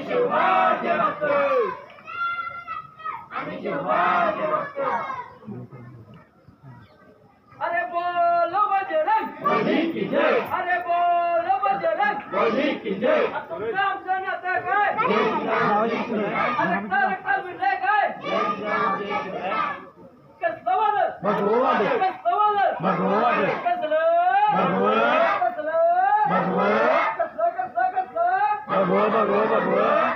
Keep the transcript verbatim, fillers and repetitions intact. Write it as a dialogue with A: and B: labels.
A: शिवाजी भक्त आम्ही शिवाजी भक्त अरे बोलो बजरंग बली की जय अरे बोलो बजरंग बली की जय तुमचं आमचं नातं काय अरे काय काय विषय काय कसलं वादळ
B: भगवान
A: कसलं वादळ
B: भगवान
A: कसलं
B: भगवान
A: कसलं
B: भगवान
A: कसलं कसलं कसलं
B: भगवान भगवान भगवान